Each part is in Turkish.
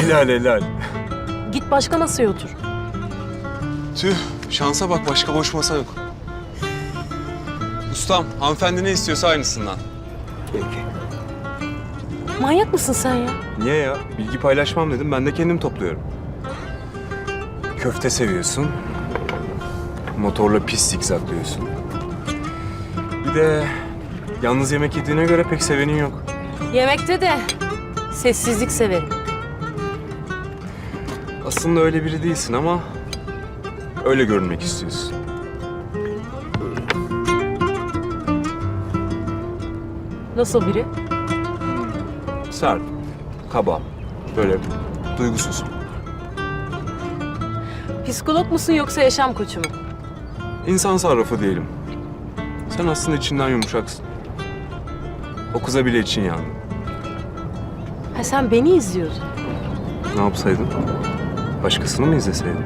Helal helal. Git başka masaya otur. Tüh, şansa bak, başka boş masa yok. Ustam, hanımefendi ne istiyorsa aynısından. Peki. Manyak mısın sen ya? Niye ya? Bilgi paylaşmam dedim, ben de kendim topluyorum. Köfte seviyorsun. Motorla pis zikzaklıyorsun. Bir de yalnız yemek yediğine göre pek sevenin yok. Yemekte de sessizlik severim. Aslında öyle biri değilsin ama öyle görünmek istiyorsun. Nasıl biri? Sert, kaba, böyle duygusuz. Psikolog musun yoksa yaşam koçu mu? İnsan sarrafı diyelim. Sen aslında içinden yumuşaksın. O kıza bile için yandı. Ha sen beni izliyordun. Ne yapsaydın? Başkasını mı izleseydin?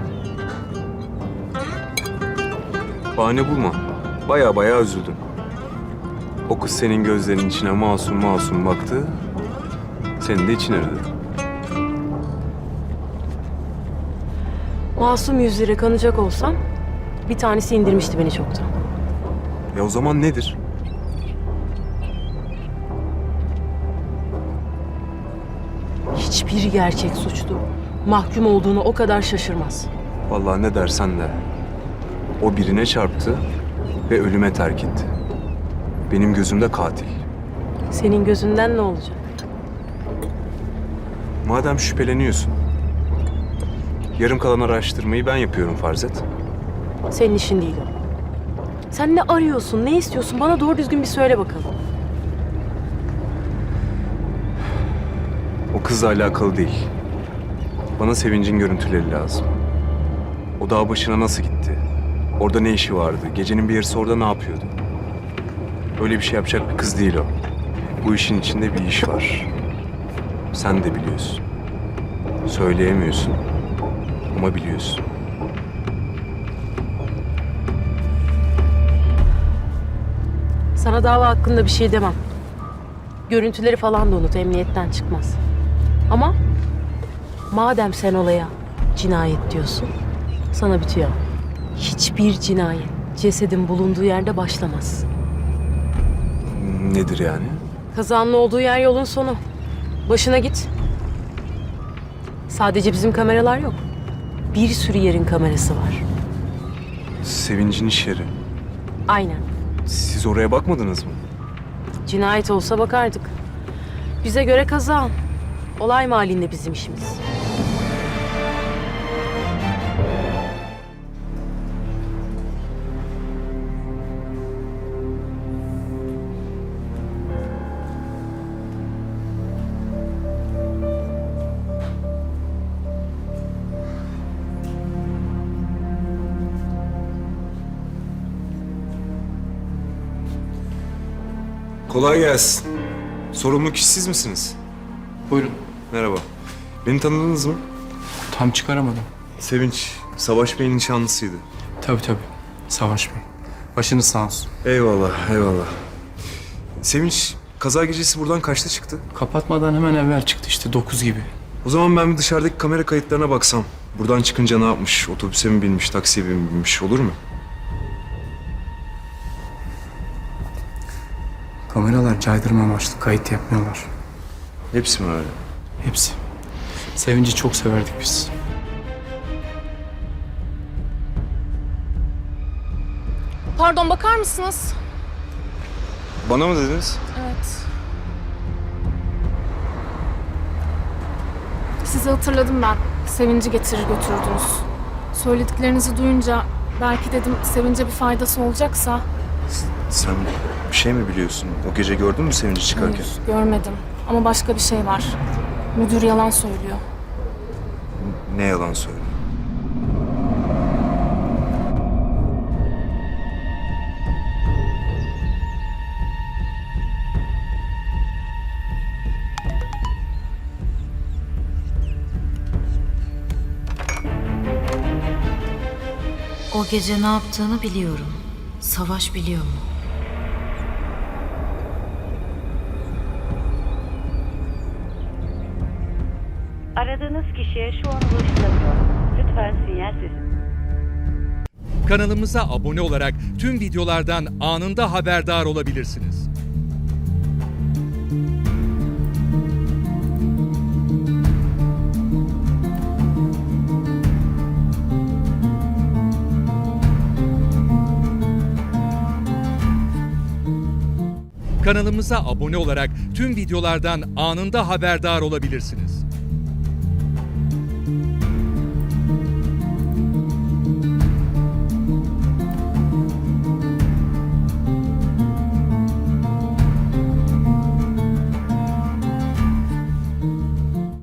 Bahane bulma. Baya baya üzüldüm. O kız senin gözlerinin içine masum masum baktı. Senin de için aradı. Masum yüzlere kanacak olsam bir tanesi indirmişti beni çoktan. Ya o zaman nedir? Hiçbir gerçek suçlu mahkum olduğunu o kadar şaşırmaz. Vallahi ne dersen de. O birine çarptı ve ölüme terk etti. Benim gözümde katil. Senin gözünden ne olacak? Madem şüpheleniyorsun, yarım kalan araştırmayı ben yapıyorum farz et. Senin işin değil o. Sen ne arıyorsun, ne istiyorsun? Bana doğru düzgün bir söyle bakalım. O kızla alakalı değil. Bana Sevinç'in görüntüleri lazım. O dağ başına nasıl gitti? Orada ne işi vardı? Gecenin bir yarısı orada ne yapıyordu? Öyle bir şey yapacak bir kız değil o. Bu işin içinde bir iş var. Sen de biliyorsun. Söyleyemiyorsun ama biliyorsun. Sana dava hakkında bir şey demem. Görüntüleri falan da unut, emniyetten çıkmaz. Ama madem sen olaya cinayet diyorsun, sana bitiyor. Hiçbir cinayet cesedin bulunduğu yerde başlamaz. Nedir yani? Kazanın olduğu yer yolun sonu. Başına git. Sadece bizim kameralar yok. Bir sürü yerin kamerası var. Sevinç'in iş yeri. Aynen. Siz oraya bakmadınız mı? Cinayet olsa bakardık. Bize göre kaza. Olay mahallinde bizim işimiz. Kolay gelsin. Sorumlu kişi siz misiniz? Buyurun. Merhaba. Beni tanıdınız mı? Tam çıkaramadım. Sevinç, Savaş Bey'in nişanlısıydı. Tabii. Savaş Bey. Başınız sağ olsun. Eyvallah, eyvallah. Sevinç, kaza gecesi buradan kaçta çıktı? Kapatmadan hemen evvel çıktı işte 9 gibi. O zaman ben bir dışarıdaki kamera kayıtlarına baksam. Buradan çıkınca ne yapmış? Otobüse mi binmiş, taksiye mi binmiş olur mu? Kameralar caydırma amaçlı kayıt yapmıyorlar. Hepsi mi öyle? Hepsi. Sevinci çok severdik biz. Pardon, bakar mısınız? Bana mı dediniz? Evet. Sizi hatırladım ben. Sevinci getirir götürdünüz. Söylediklerinizi duyunca belki dedim Sevinç'e bir faydası olacaksa. Sen bir şey mi biliyorsun? O gece gördün mü Sevinç'i çıkarken? Hayır, görmedim. Ama başka bir şey var. Müdür yalan söylüyor. Ne yalan söylüyor? O gece ne yaptığını biliyorum. Savaş biliyor mu? Aradığınız kişiye şu an ulaşılamıyor. Lütfen sinyal sesi. Kanalımıza abone olarak tüm videolardan anında haberdar olabilirsiniz. Kanalımıza abone olarak tüm videolardan anında haberdar olabilirsiniz.